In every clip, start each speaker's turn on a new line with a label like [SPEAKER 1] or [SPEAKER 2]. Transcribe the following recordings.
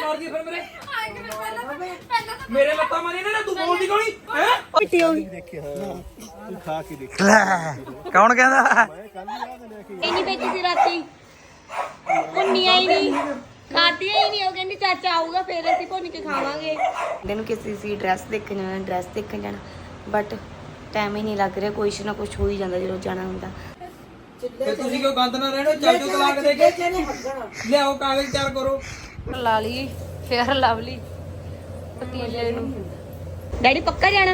[SPEAKER 1] ਮਾਰਦੀ ਫਿਰ ਮੇਰੇ ਲੱਤਾਂ ਮਾਰੀ ਨਾ ਤੂੰ ਬੋਲਦੀ ਕੋਣੀ ਹੈ
[SPEAKER 2] ਮਿੱਟੀ ਹੋ ਗਈ
[SPEAKER 3] ਤੂੰ ਖਾ ਕੇ ਦੇਖ
[SPEAKER 4] ਕੌਣ ਕਹਿੰਦਾ
[SPEAKER 2] ਇੰਨੀ ਵਿੱਚ ਸੀ ਰਾਤੀ ਭੁੰਨੀਆਂ ਹੀ ਨਹੀਂ ਖਾਧੀਆਂ ਹੀ ਨਹੀਂ। ਉਹ ਕਹਿੰਦੀ ਚਾਚਾ ਆਊਗਾ ਫਿਰ ਅਸੀਂ ਭੁੰਨ ਕੇ ਖਾਵਾਂਗੇ। ਇਹਨੂੰ ਕਿਸੇ ਸੀ ਡਰੈਸ ਦੇਖਣ ਜਾਣਾ ਬਟ ਟਾਈਮ ਹੀ ਨਹੀਂ ਲੱਗ ਰਿਹਾ। ਕੁਛ ਨਾ ਕੁਛ ਹੋ ਹੀ ਜਾਂਦਾ ਜਦੋਂ ਜਾਣਾ ਹੁੰਦਾ।
[SPEAKER 1] ਤੇ ਤੁਸੀਂ ਕਿਉਂ ਗੰਦ ਨਾ ਰਹਿਣੋ ਚਾਚੂ ਤਲਾਕ ਦੇ ਕੇ ਲਿਆਓ ਕਾਗਜ਼ ਤਿਆਰ ਕਰੋ।
[SPEAKER 2] ਲਾ ਲਈ ਫੇਰ ਲਵਲੀ ਪਤੀਲੇ ਨੂੰ। ਡੈਡੀ ਪੱਕਾ ਜਾਣਾ?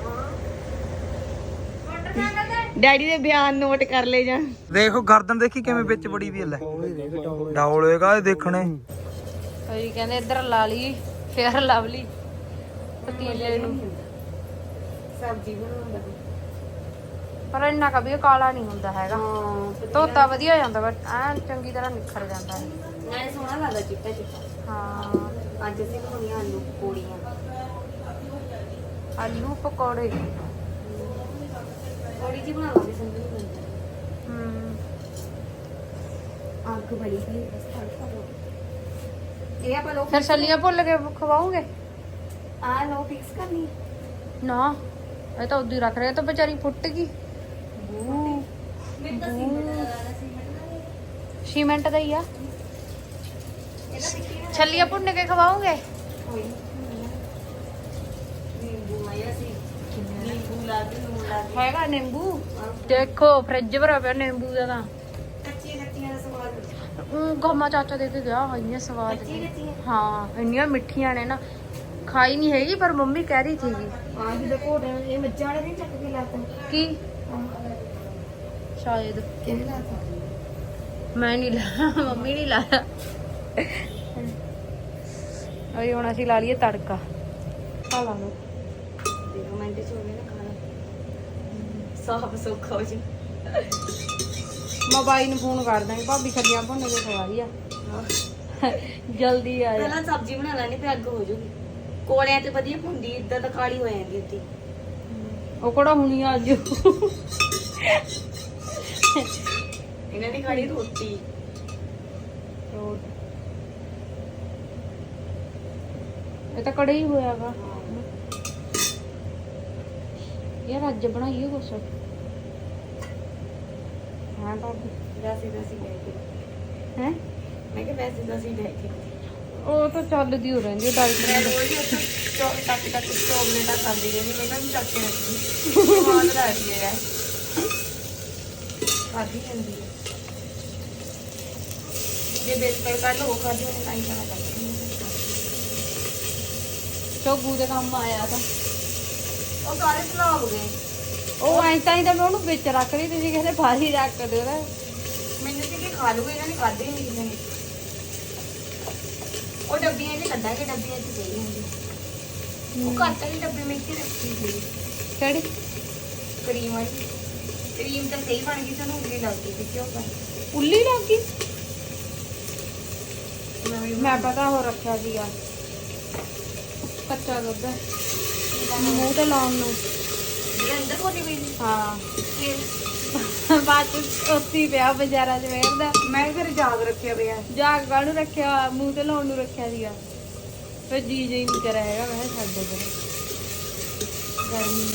[SPEAKER 2] ਡੈਡੀ ਦੇ ਬਿਆਨ ਨੋਟ ਕਰ ਲੈ ਜਾ।
[SPEAKER 4] ਦੇਖੋ ਗਰਦਨ ਦੇਖੀ ਕਿਵੇਂ ਵਿੱਚ ਬੜੀ ਵੀ ਲੈ ਡੌਲ ਹੋਏਗਾ ਇਹ ਦੇਖਣੇ।
[SPEAKER 2] ਕੋਈ ਕਹਿੰਦੇ ਇੱਧਰ ਲਾ ਲਈ ਫੇਰ ਲਵਲੀ ਪਤੀਲੇ ਨੂੰ ਸਬਜ਼ੀ ਬਣਾਉਂਦਾ। ਪਰ ਇੰਨਾ ਕभी ਕਾਲਾ ਨਹੀਂ ਹੁੰਦਾ ਹੈਗਾ। ਧੋਤਾ ਵਧੀਆ ਹੋ ਜਾਂਦਾ ਬਟ ਐਨ ਚੰਗੀ ਤਰ੍ਹਾਂ ਨਿਖਰ ਜਾਂਦਾ ਹੈ। ਨਾਲੇ ਸੋਹਣਾ ਲੱਗਦਾ ਚਿੱਟਾ ਚਿੱਟਾ। ਹਾਂ ਅੱਜ ਅਸੀਂ ਬਣਾਉਣੀਆਂ ਆਲੂ ਪਕੌੜੀਆਂ। ਆਲੂ ਪਕੌੜੇ ਥੋੜੀ ਜਿਹੀ ਬਣਾਵਾਂਗੇ ਸੰਦੂ ਨੂੰ। ਅੱਗ ਬੜੀ ਸੀ ਬਸ ਇਹ ਆਪਾਂ ਲੋਕ ਫਿਰ ਛੱਲੀਆਂ ਭੁੱਲ ਕੇ ਖਵਾਉਂਗੇ। ਆ ਲੋ ਫਿਕਸ ਕਰਨੀ ਨਾ ਇਹ ਤਾਂ ਉਦੋਂ ਰੱਖ ਰਿਹਾ ਤਾਂ ਵਿਚਾਰੀ ਫੁੱਟ ਗਈ। ਸੀਮੈਂਟ ਦਾ ਹੀ ਆ। ਛੱਲੀਆਂ ਭੁੰਨ ਕੇ ਖਵਾਉਂਗੇ। ਹੈਗਾ ਨਿੰਬੂ ਦੇਖੋ ਫ੍ਰਿਜ ਭਰਿਆ ਪਿਆ ਨਿੰਬੂ ਦਾ। ਤਾਂ ਗਮਾ ਚਾਚਾ ਦੇ ਕੇ ਗਿਆ ਇੰਨੀਆਂ ਸਵਾਦ ਹਾਂ ਇੰਨੀਆਂ ਮਿੱਠੀਆਂ ਨੇ ਨਾ। ਖਾਈ ਨਹੀਂ ਹੈਗੀ ਪਰ ਮੰਮੀ ਕਹਿ ਰਹੀ ਸੀਗੀ ਇਹ ਮੱਝਾਂ ਵਾਲੇ ਨਹੀਂ ਚੱਕ ਕੇ ਲਾਤਾ ਕੀ ਸ਼ਾਇਦ ਕਿਹਨੇ ਲਾਤਾ ਮੈਂ ਨਹੀਂ ਲਾਇਆ ਮੰਮੀ ਨਹੀਂ ਲਾਇਆ। ਅਰੇ ਹੁਣ ਅਸੀਂ ਲਾ ਲਈਏ ਤੜਕਾ। ਆ ਲਾ ਲਓ ਦੇਖੋ ਮੈਂ ਤੇ ਚੋਲੇ ਨਾ ਖਾਣਾ ਸਾਫ ਸੌਖਾ ਹੋ ਜੀ। ਮੈਂ ਬਾਈ ਨੂੰ ਫੋਨ ਕਰ ਦਾਂਗੀ ਭਾਬੀ ਛੱਲੀਆਂ ਭੁੰਨ ਕੇ ਖਵਾ ਰਹੀ ਆ ਜਲਦੀ ਆ। ਪਹਿਲਾਂ ਸਬਜ਼ੀ ਬਣਾ ਲੈਣੀ ਤੇ ਅੱਗ ਹੋ ਜੂਗੀ। ਕੋਲਿਆਂ ਤੇ ਵਧੀਆ ਭੁੰਦੀ ਇਦਾਂ ਤਾਂ ਕਾਲੀ ਹੋ ਜਾਂਦੀ ਉੱਤੀ। ਉਹ ਕਿਹੜਾ ਹੁਣੀ ਆ ਅੱਜ ਇਹਨਾਂ ਨੇ ਖਾਣੀ ਰੋਟੀ। ਇਹ ਤਾਂ ਕੜਾਈ ਹੋਇਆਗਾ ਯਾਰ ਅੱਜ ਬਣਾਈਏ ਕੁਛ। ਹਾਂ ਭਾਬੀ ਵੈਸੇ ਲੈ ਕੇ ਹੈ ਮੈਂ ਕਿਹਾ ਵੈਸੇ ਲੈ ਕੇ ਉਹ ਤਾਂ ਚੱਲਦੀ ਹੋ ਰਹਿੰਦੀ ਡਾਈਟ ਮੈਂ ਰੋਜ਼ ਟੱਕ ਚੋਕਲੇਟਾਂ ਖਾਂਦੀ ਰਹਿੰਦੀ। ਮੈਂ ਕਿਹਾ ਚੱਕ ਕੇ ਰੱਖੀ ਸਵਾਦ ਲੱਗਦੀ ਹੈ ਯਾਰ ਖਾਦੀ ਜਾਂਦੀ ਹੈ। ਜੇ ਬਿਸਕੁਟ ਕੱਲ ਉਹ ਖਾਦੀ ਹੋਣੀ ਤਾਂ ਹੀ ਖਾਣਾ ਚਾਹੀਦਾ। ਚੋਗੂ ਦੇ ਕੰਮ ਆਇਆ ਤਾਂ ਉਹ ਸਾਰੇ ਸਲਾ ਹੋ ਗਏ। ਉਹ ਐਂ ਤਾਂ ਹੀ ਤਾਂ ਮੈਂ ਉਹਨੂੰ ਵਿੱਚ ਰੱਖ ਲਈ। ਤੁਸੀਂ ਕਹਿੰਦੇ ਬਾਹਰ ਰੱਖ ਦਿਓ ਨਾ। ਮੈਨੂੰ ਸੀ ਕਿ ਖਾ ਲੂਗੇ ਇਹਨਾਂ ਨੇ ਖਾਧੇ ਨਹੀਂ ਕਿਸੇ ਨੇ। ਉਹ ਡੱਬੀਆਂ 'ਚ ਕੱਢਾਂਗੇ ਡੱਬੀਆਂ 'ਚ ਸਹੀ ਹੁੰਦੀ। ਉਹ ਘੱਟ ਵਾਲੀ ਡੱਬੇ ਵਿੱਚ ਹੀ ਰੱਖੀ ਸੀ ਕਿਹੜੀ ਕਰੀਮ ਵਾਲੀ। ਕਰੀਮ ਤਾਂ ਸਹੀ ਬਣ ਗਈ ਸਾਨੂੰ ਉੱਲੀ ਲੱਗ ਗਈ ਸੀ ਕਿਉਂ ਪਰ ਉੱਲੀ ਲੱਗ ਗਈ। ਮੈਂ ਪਤਾ ਹੋ ਰੱਖਿਆ ਸੀਗਾ ਕੱਚਾ ਦੁੱਧ ਮੂੰਹ ਤੇ ਲਾਉਣ ਨੂੰ ਅੰਦਰ ਕੋਟੀ ਪਈ ਸੀ। ਹਾਂ ਬਾਤ ਉੱਤੀ ਪਿਆ ਬਾਜ਼ਾਰਾਂ 'ਚ ਵੇਖਦਾ। ਮੈਂ ਫਿਰ ਜਾਗ ਰੱਖਿਆ ਪਿਆ। ਜਾਗ ਕਾਹਨੂੰ ਰੱਖਿਆ ਮੂੰਹ ਤੇ ਲਾਉਣ ਨੂੰ ਰੱਖਿਆ ਸੀਗਾ। ਫਿਰ ਜੀ ਨਹੀਂ ਕਰਿਆ ਹੈਗਾ। ਮੈਂ ਛੱਡ ਦੇ ਗਰਮੀ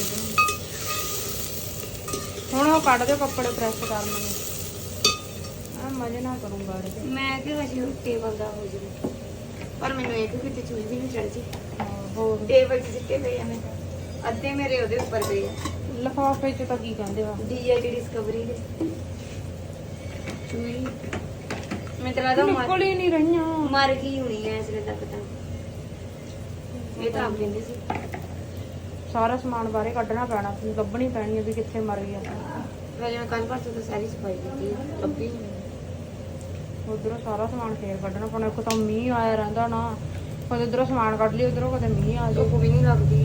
[SPEAKER 2] ਹੁਣ ਉਹ ਕੱਢ ਦਿਓ ਕੱਪੜੇ ਪ੍ਰੈਸ ਕਰਨ ਨੂੰ। ਆ ਮਜ਼ੇ ਨਾਲ ਕਰੂੰਗਾ ਇਹਦੇ। ਮੈਂ ਕਿ ਹਜੇ ਟੇਬਲ ਦਾ ਹੋ ਜਾਵੇ ਪਰ ਮੈਨੂੰ ਇਹ ਕਿਤੇ ਚੂਹੀ ਵੀ ਨਹੀਂ ਚੜ ਜੀ। ਹੋਰ ਟੇਬਲ 'ਚ ਸਿੱਟੇ ਪਏ ਆ। ਮੈਂ ਅੱਧੇ ਮੇਰੇ ਉਹਦੇ ਉੱਪਰ ਪਏ ਆ ਲਿਫਾਫੇ 'ਚ। ਤਾਂ ਕੀ ਕਹਿੰਦੇ ਵਾ ਡੀਆਈਡੀ ਡਿਸਕਵਰੀ ਦੇ ਚੂਹੀ ਮੈਂ ਤਾਂ ਲੱਗਦਾ ਨਿਕਲ ਹੀ ਨਹੀਂ ਰਹੀਆਂ। ਮਰ ਗਈ ਹੋਣੀ ਐ ਇਸ ਵੇਲੇ ਤੱਕ ਤਾਂ। ਇਹ ਤਾਂ ਆਪ ਕਹਿੰਦੇ ਸੀ ਸਾਰਾ ਸਮਾਨ ਬਾਹਰੇ ਕੱਢਣਾ ਪੈਣਾ ਸੀ। ਲੱਭਣੀ ਪੈਣੀ ਹੈ ਵੀ ਕਿੱਥੇ ਮਰ ਗਿਆ। ਮੈਂ ਜਿਵੇਂ ਕੱਲ ਪਰਸੋਂ ਤਾਂ ਸਾਰੀ ਸਫਾਈ ਕੀਤੀ ਲੱਭੀ ਉਧਰੋਂ ਸਾਰਾ ਸਮਾਨ ਫੇਰ ਕੱਢਣਾ ਪੈਣਾ। ਇੱਕ ਤਾਂ ਮੀਂਹ ਆਇਆ ਰਹਿੰਦਾ ਨਾ ਕਦੇ ਉਧਰੋਂ ਸਮਾਨ ਕੱਢ ਲਈ ਉਧਰੋਂ ਕਦੇ ਮੀਂਹ ਆ ਜਾਏ। ਧੁੱਪ ਵੀ ਨਹੀਂ ਲੱਗਦੀ।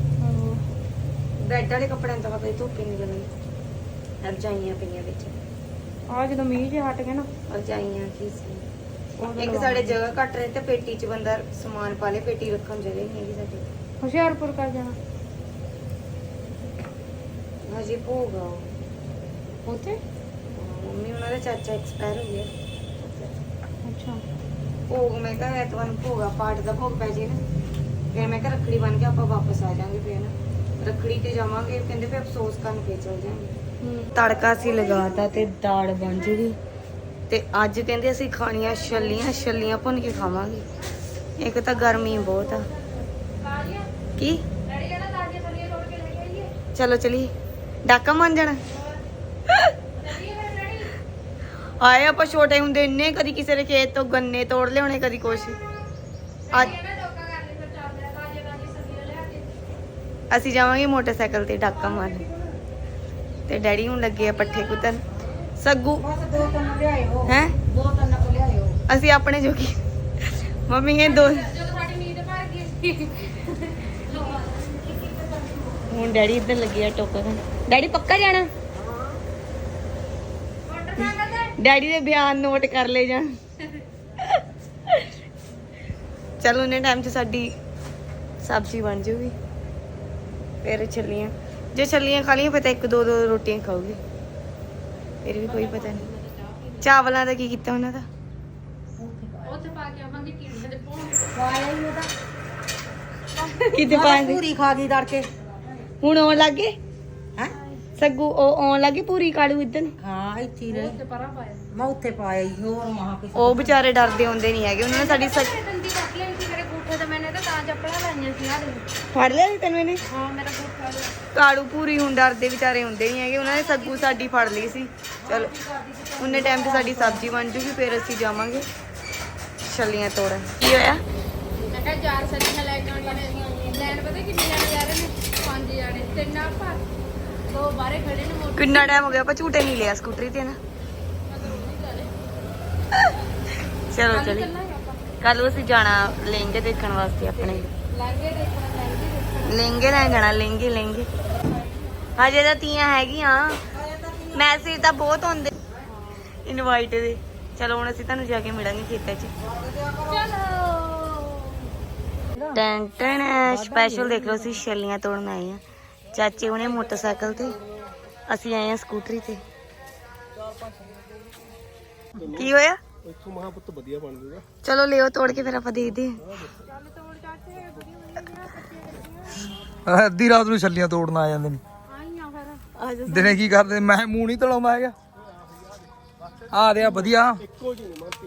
[SPEAKER 2] ਬੈਡ ਵਾਲੇ ਕੱਪੜਿਆਂ ਤਾਂ ਪਤਾ ਧੁੱਪ ਹੀ ਨਹੀਂ ਲੱਗਦੀ। ਰਜਾਈਆਂ ਪਈਆਂ ਵਿੱਚ ਆ ਜਦੋਂ ਮੀਂਹ ਜੇ ਹਟ ਗਏ ਨਾ ਰਜਾਈਆਂ ਕੀ ਸੀ। ਇੱਕ ਸਾਡੇ ਜਗ੍ਹਾ ਘੱਟ ਰਹੀ ਤੇ ਪੇਟੀ 'ਚ ਬੰਦਾ ਸਮਾਨ ਪਾ ਲੇ। ਪੇਟੀ ਰੱਖਣ ਜਗ੍ਹਾ ਹੀ ਨਹੀਂ ਹੈਗੀ ਸਾਡੀ। ਹੁਸ਼ਿਆਰਪੁਰ ਕਰ ਜਾਣਾ ਹਜੇ ਭੋਗਾ ਉੱਥੇ ਮੰਮੀ ਉਹਨਾਂ ਦਾ ਚਾਚਾ ਐਕਸਪਾਇਰ ਹੋ ਗਿਆ। ਅੱਛਾ ਭੋਗ ਮੈਂ ਕਿਹਾ ਐਤਵਾਰ ਨੂੰ ਭੋਗਾ ਪਾਠ ਦਾ ਭੋਗ ਪੈ ਜੇ ਨਾ ਫਿਰ ਮੈਂ ਕਿਹਾ ਰੱਖੜੀ ਬਣ ਕੇ ਆਪਾਂ ਵਾਪਸ ਆ ਜਾਾਂਗੇ ਫਿਰ ਨਾ ਰੱਖੜੀ ਤੇ ਜਾਵਾਂਗੇ ਕਹਿੰਦੇ ਫਿਰ ਅਫਸੋਸ ਕਰਨ ਫੇਰ ਚਲ ਜਾਾਂਗੇ ਤੜਕਾ ਸੀ ਲਗਾਤਾ ਤੇ ਦਾਲ ਬਣ ਜੂਗੀ ਤੇ ਅੱਜ ਕਹਿੰਦੇ ਅਸੀਂ ਖਾਣੀਆਂ ਛੱਲੀਆਂ ਭੁੰਨ ਕੇ ਖਾਵਾਂਗੇ ਇੱਕ ਤਾਂ ਗਰਮੀ ਬਹੁਤ ਆ ਕੀ ਚਲੋ ਚਲੀ ਡਾਕਾ ਮੰਨ ਜਾਣਾ ਆਏ ਆਪਾਂ ਛੋਟੇ ਹੁੰਦੇ ਇੰਨੇ ਕਦੀ ਕਿਸੇ ਦੇ ਖੇਤ ਤੋਂ ਗੰਨੇ ਤੋੜ ਲਿਆਉਣੇ ਕਦੀ ਕੁਛ ਅੱਜ ਅਸੀਂ ਜਾਵਾਂਗੇ ਮੋਟਰਸਾਈਕਲ ਤੇ ਡਾਕਾ ਮਾਰਨ ਤੇ ਡੈਡੀ ਹੁਣ ਲੱਗੇ ਆ ਪੱਠੇ ਕੁੱਤਣ ਸੱਗੂ ਹੈ ਅਸੀਂ ਆਪਣੇ ਜੋਗੀ ਮੰਮੀ ਇਹ ਦੋ ਹੁਣ ਡੈਡੀ ਇੱਧਰ ਲੱਗੇ ਆ ਟੋਕਾ ਡੈਡੀ ਪੱਕਾ ਜਾਣਾ ਡੈਡੀ ਦੇ ਬਿਆਨ ਨੋਟ ਕਰ ਲੈ ਜਾਣ ਚਲੋ ਉਹਨੇ ਟਾਈਮ 'ਚ ਸਾਡੀ ਸਬਜ਼ੀ ਬਣ ਜੂਗੀ ਫਿਰ ਛੱਲੀਆਂ ਜੇ ਛੱਲੀਆਂ ਖਾ ਲਈਆਂ ਫਿਰ ਤਾਂ 1-2 ਰੋਟੀਆਂ ਖਾਊਗੀ ਫਿਰ ਵੀ ਕੋਈ ਪਤਾ ਨਹੀਂ ਚਾਵਲਾਂ ਦਾ ਕੀ ਕੀਤਾ ਉਹਨਾਂ ਦਾ ਉੱਥੇ ਪਾ ਕੇ ਆਵਾਂਗੇ ਕੀੜੇ ਦੇ ਕਿਤੇ ਪਾਣੀ
[SPEAKER 5] ਪੂਰੀ ਖਾ ਗਈ ਤੜਕੇ
[SPEAKER 2] ਹੁਣ ਆਉਣ ਲੱਗੇ
[SPEAKER 5] ਹੈ
[SPEAKER 2] ਸੱਗੂ ਉਹ ਆਉਣ ਲੱਗੇ ਪੂਰੀ ਕਾਲੂ ਇਦਨ
[SPEAKER 5] ਹਾਂ ਇੱਥੇ ਰਹੇ ਮੈਂ ਉੱਥੇ ਪਾਇਆ ਹੀ ਹੋਰ ਮਹਾ ਕੇ
[SPEAKER 2] ਉਹ ਵਿਚਾਰੇ ਡਰਦੇ ਹੁੰਦੇ ਨਹੀਂ ਹੈਗੇ ਉਹਨਾਂ ਨੇ ਸਾਡੀ
[SPEAKER 6] ਦੰਦੀ ਕੱਟ ਲਈ ਸੀ ਮੇਰੇ ਗੂਠੇ ਤੇ ਮੈਨੇ ਤਾਂ ਚੱਪਲਾਂ ਲਾਈਆਂ ਸੀ ਆਹ
[SPEAKER 2] ਫੜ ਲਿਆ ਸੀ ਤੈਨੂੰ ਇਹਨੇ
[SPEAKER 6] ਹਾਂ ਮੇਰਾ ਗੂਠਾ
[SPEAKER 2] ਕਾਲੂ ਪੂਰੀ ਹੁਣ ਡਰਦੇ ਵਿਚਾਰੇ ਹੁੰਦੇ ਨਹੀਂ ਹੈਗੇ ਉਹਨਾਂ ਨੇ ਸੱਗੂ ਸਾਡੀ ਫੜ ਲਈ ਸੀ ਚਲੋ ਉਹਨੇ ਟਾਈਮ ਤੇ ਸਾਡੀ ਸਬਜ਼ੀ ਬਣ ਜੂਗੀ ਫਿਰ ਅਸੀਂ ਜਾਵਾਂਗੇ ਛੱਲੀਆਂ ਤੋੜਨ ਕੀ ਹੋਇਆ
[SPEAKER 6] ਮੈਂ ਕਿਹਾ 4 ਸੱਜੀਆਂ ਲੈ ਕੇ ਆਉਣੀਆਂ ਨੇ ਲੈਣ ਪਤਾ ਕਿੰਨੇ ਜਾਣੇ ਜਾ ਰਹੇ ਨੇ 5 ਜਾਣੇ 3 ਆਪਾਂ 2 ਬਾਹਰੇ ਖੜੇ ਨੇ ਮੋਟਰ
[SPEAKER 2] ਕਿੰਨਾ ਟਾਈਮ ਹੋ ਗਿਆ ਆਪਾਂ ਝੂਟੇ ਨਹੀਂ ਲਿਆ ਸਕੂਟਰੀ ਤੇ ਨਾ ਚਲੋ ਚਲੀ ਕੱਲ ਅਸੀਂ ਜਾਣਾ ਲਹਿੰਗੇ ਦੇਖਣ ਵਾਸਤੇ ਆਪਣੇ
[SPEAKER 6] ਲਹਿੰਗੇ ਦੇਖਣਾ
[SPEAKER 2] ਲਹਿੰਗੇ ਲੈਣ ਜਾਣਾ ਲਹਿੰਗੇ ਹਜੇ ਤਾਂ ਤੀਆਂ ਹੈਗੀਆਂ ਮੈਸੇਜ ਤਾਂ ਬਹੁਤ ਆਉਂਦੇ ਇਨਵਾਈਟ ਦੇ ਚਲੋ ਹੁਣ ਅਸੀਂ ਤੁਹਾਨੂੰ ਜਾ ਕੇ ਮਿਲਾਂਗੇ ਖੇਤਾਂ 'ਚ ਟੈਂਟਨ ਸਪੈਸ਼ਲ ਦੇਖ ਲਓ ਅਸੀਂ ਛੱਲੀਆਂ ਤੋੜਨ ਆਏ ਆ ਚਾਚੇ ਉਹਨੇ ਮੋਟਰਸਾਈਕਲ ਤੇ ਅਸੀਂ ਆਏ ਆ ਸਕੂਟਰੀ ਤੇ ਕੀ ਹੋਇਆ
[SPEAKER 3] ਇੱਥੋਂ ਮਹਾਂਪੁੱਤ ਵਧੀਆ ਬਣ ਜੂਗਾ
[SPEAKER 2] ਚਲੋ ਲਿਓ ਤੋੜ ਕੇ ਫਿਰ ਆਪਾਂ ਦੇਖਦੇ
[SPEAKER 4] ਆ ਅੱਧੀ ਰਾਤ ਨੂੰ ਛੱਲੀਆਂ ਤੋੜਨ ਆ ਜਾਂਦੇ ਨੇ
[SPEAKER 2] ਆ ਜਾ
[SPEAKER 4] ਦਿਨੇ ਕੀ ਕਰਦੇ ਮੈਂ ਮੂੰਹ ਨਹੀਂ ਧਲਾਉਂਦਾ ਹੈਗਾ ਆ ਰਿਹਾ ਵਧੀਆ
[SPEAKER 3] ਇੱਕੋ ਜਿਹੀ ਮਾਰਤੀ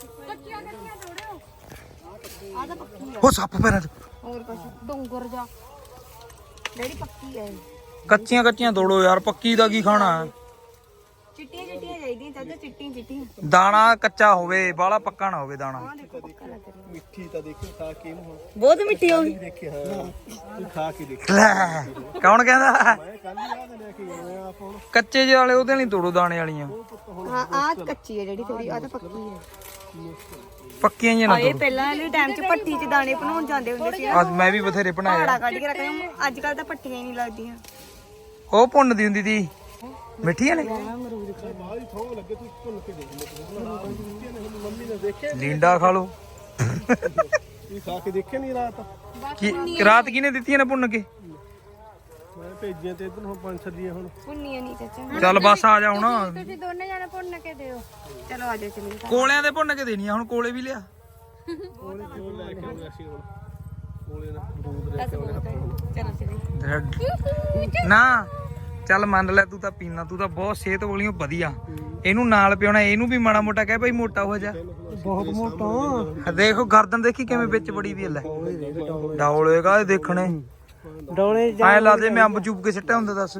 [SPEAKER 4] ਉਹ ਸੱਪ ਪੈਰਾਂ 'ਚ
[SPEAKER 2] ਹੋਰ ਕੁਛ ਡੋਂਗਰ ਜਾ ਡੈਡੀ ਪੱਕੀ ਹੈ
[SPEAKER 4] ਕੱਚੀਆਂ ਤੋੜੋ ਯਾਰ ਪੱਕੀ ਦਾ ਕੀ ਖਾਣਾ ਹੈ
[SPEAKER 2] ਚਿੱਟੀਆਂ ਚਾਹੀਦੀਆਂ ਚਾਚਾ ਚਿੱਟੀਆਂ
[SPEAKER 4] ਦਾਣਾ ਕੱਚਾ ਹੋਵੇ ਬਾਹਲਾ ਪੱਕਾ ਨਾ ਹੋਵੇ ਦਾਣਾ
[SPEAKER 3] ਮਿੱਠੀ ਤਾਂ ਦੇਖੋ ਖਾ ਕੇ ਇਹਨੂੰ ਹੁਣ
[SPEAKER 2] ਬਹੁਤ ਮਿੱਠੀ ਹੋ ਗਈ
[SPEAKER 3] ਦੇਖੇ ਹਾਂ ਤੂੰ ਖਾ ਕੇ ਦੇਖ
[SPEAKER 4] ਲੈ ਕੌਣ ਕਹਿੰਦਾ
[SPEAKER 3] ਮੈਂ ਕੱਲ ਹੀ ਆ ਲੈ ਕੇ ਗਏ ਆਪ ਹੁਣ
[SPEAKER 4] ਕੱਚੇ ਜਿਹੇ ਵਾਲੇ ਉਹਦੇ ਨਹੀਂ ਤੋੜੋ ਦਾਣੇ ਵਾਲੀਆਂ
[SPEAKER 2] ਹਾਂ ਆ ਕੱਚੀ ਹੈ ਜਿਹੜੀ ਥੋੜੀ ਆ ਤਾਂ ਪੱਕੀ ਹੈ
[SPEAKER 4] ਪੱਕੀਆਂ ਜਿਹੀਆਂ ਨਾ
[SPEAKER 2] ਇਹ ਪਹਿਲਾਂ ਵਾਲੇ ਟਾਈਮ 'ਚ ਭੱਠੀ 'ਚ ਦਾਣੇ ਬਣਾਉਣ ਜਾਂਦੇ ਹੁੰਦੇ ਸੀ
[SPEAKER 4] ਅੱਜ ਮੈਂ ਵੀ ਬਥੇਰੇ ਬਣਾਇਆ
[SPEAKER 2] ਪਹਾੜਾ ਕੱਢ ਕੇ ਰੱਖਦੇ ਅੱਜ ਕੱਲ ਤਾਂ ਭੱਠੀਆਂ ਹੀ ਨਹੀਂ ਲੱਗਦੀਆਂ
[SPEAKER 4] ਉਹ ਭੁੰਨਦੀ ਹੁੰਦੀ ਸੀ ਮਿੱਠੀਆਂ ਨੇ
[SPEAKER 3] ਬਾਹਰ ਹੀ ਥੋਂ ਲੱਗੇ ਤੂੰ ਭੁੰਨ ਕੇ ਦੇਖ ਲੈ ਮੰਮੀ ਨੇ ਦੇਖਿਆ
[SPEAKER 4] ਲੀਂਡਾ ਖਾ ਲੋ
[SPEAKER 3] ਤੂੰ ਖਾ ਕੇ ਦੇਖਿਆ ਨਹੀਂ ਰਾਤ
[SPEAKER 4] ਕੀ ਰਾਤ ਕਿਹਨੇ ਦਿੱਤੀਆਂ ਨੇ ਭੁੰਨ ਕੇ
[SPEAKER 3] ਮੈਂ ਭੇਜੀਆਂ ਤੇ ਇਧਰ ਹੁਣ 5 ਛੱਲੀਆਂ ਹੁਣ
[SPEAKER 2] ਪੁੰਨੀਆਂ ਨਹੀਂ ਚਾਚਾ
[SPEAKER 4] ਚੱਲ ਬਸ ਆ ਜਾ ਹੁਣ
[SPEAKER 6] ਤੁਸੀਂ ਦੋਨੇ ਜਾਣੇ ਭੁੰਨ ਕੇ ਦਿਓ
[SPEAKER 2] ਚਲੋ ਆ ਜਾਓ ਚਲੀਏ
[SPEAKER 4] ਕੋਲਿਆਂ ਦੇ ਭੁੰਨ ਕੇ ਦੇਣੀਆਂ ਹੁਣ ਕੋਲੇ ਵੀ ਲਿਆ
[SPEAKER 3] ਕੋਲੇ ਜੋ ਲੈ ਕੇ ਆਉਂਦੇ ਅਸੀਂ ਹੁਣ ਕੋਲੇ ਨਾ ਬਰੂਦ ਲੈ ਕੇ ਆਉਂਦੇ
[SPEAKER 2] ਚਲੋ ਚਲੀਏ
[SPEAKER 4] ਨਾ ਚੱਲ ਮੰਨ ਲੈ ਤੂੰ ਤਾਂ ਪੀਣਾ ਤੂੰ ਤਾਂ ਬਹੁਤ ਸਿਹਤ ਵਾਲੀਓ ਵਧੀਆ ਇਹਨੂੰ ਨਾਲ ਪਿਉਣਾ ਇਹਨੂੰ ਵੀ ਮਾੜਾ ਮੋਟਾ ਕਹਿ ਭਾਈ ਮੋਟਾ ਹੋ ਜਾ
[SPEAKER 3] ਬਹੁਤ ਮੋਟਾ
[SPEAKER 4] ਦੇਖੋ ਗਰਦਨ ਦੇਖੀ ਕਿਵੇਂ ਵਿੱਚ ਬੜੀ ਵੀ ਲੈ ਡੌਲ ਹੋਏਗਾ ਇਹ ਦੇਖਣੇ
[SPEAKER 5] ਡੋਲੇ
[SPEAKER 4] ਐ ਲੱਗਦੇ ਮੈਂ ਅੰਬ ਚੂਪ ਕੇ ਸਿੱਟਿਆ ਹੁੰਦਾ ਦੱਸ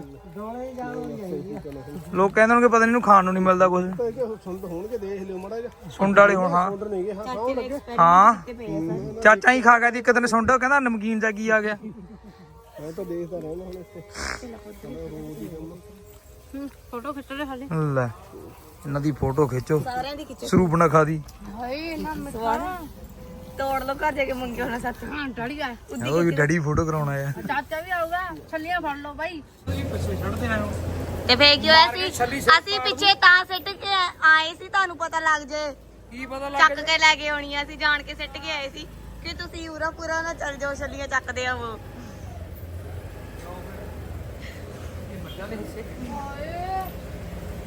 [SPEAKER 4] ਲੋਕ ਕਹਿੰਦੇ ਹੋਣਗੇ ਪਤਾ ਨਹੀਂ ਇਹਨੂੰ ਖਾਣ ਨੂੰ ਨਹੀਂ ਮਿਲਦਾ ਕੁਝ
[SPEAKER 3] ਸੁੰਡ ਹੋਣਗੇ ਦੇਖ ਲਿਓ ਮੜਾ ਜਾ
[SPEAKER 4] ਸੁੰਡ ਵਾਲੇ ਹੁਣ ਹਾਂ
[SPEAKER 3] ਸੁੰਡ ਨਹੀਂ ਗਏ ਹਾਂ ਖਾਓ ਲੱਗੇ
[SPEAKER 4] ਹਾਂ ਚਾਚਾ ਹੀ ਖਾ ਗਿਆ ਦੀ ਇੱਕ ਦਿਨ ਸੁੰਡ ਕਹਿੰਦਾ ਨਮਕੀਨ ਜਾ ਕੀ ਆ ਗਿਆ
[SPEAKER 3] ਮੈਂ ਤਾਂ ਦੇਖਦਾ ਰਹਿਣਾ ਹੁਣ ਇੱਥੇ
[SPEAKER 6] ਫੋਟੋ ਖਿੱਚ ਲੈ ਹਾਲੇ
[SPEAKER 4] ਲੈ ਇਹਨਾਂ ਦੀ ਫੋਟੋ ਖਿੱਚੋ
[SPEAKER 2] ਸਾਰਿਆਂ ਦੀ ਖਿੱਚੋ
[SPEAKER 4] ਸਰੂਪ ਨਾ ਖਾ ਦੀ
[SPEAKER 6] ਹਾਏ ਨਾ ਮਿੱਠਾ
[SPEAKER 2] ਤੋੜ ਲੋ ਘਰ ਜਾ ਕੇ ਮੰਗੇ ਹੋਣਾ ਸੱਚ
[SPEAKER 6] ਹਾਂ ਡੜੀ ਆ
[SPEAKER 4] ਉਹ ਡੈਡੀ ਫੋਟੋ ਕਰਾਉਣਾ ਆ
[SPEAKER 6] ਚਾਚਾ ਵੀ ਆਊਗਾ ਛੱਲੀਆਂ ਫੜ ਲਓ ਬਾਈ
[SPEAKER 2] ਤੇ ਫੇਰ ਕੀ ਹੋਇਆ ਸੀ ਅਸੀਂ ਪਿੱਛੇ ਤਾਂ ਸਿੱਟ ਕੇ ਆਏ ਸੀ ਤੁਹਾਨੂੰ ਪਤਾ ਲੱਗ ਜੇ
[SPEAKER 4] ਕੀ ਪਤਾ
[SPEAKER 2] ਚੱਕ ਕੇ ਲੈ ਕੇ ਆਉਣੀ ਆ ਅਸੀਂ ਜਾਣ ਕੇ ਸਿੱਟ ਕੇ ਆਏ ਸੀ ਕਿ ਤੁਸੀਂ ਪੂਰਾ ਪੂਰਾ ਨਾ ਚੱਲ ਜਾਓ ਛੱਲੀਆਂ ਚੱਕਦੇ ਆ ਉਹ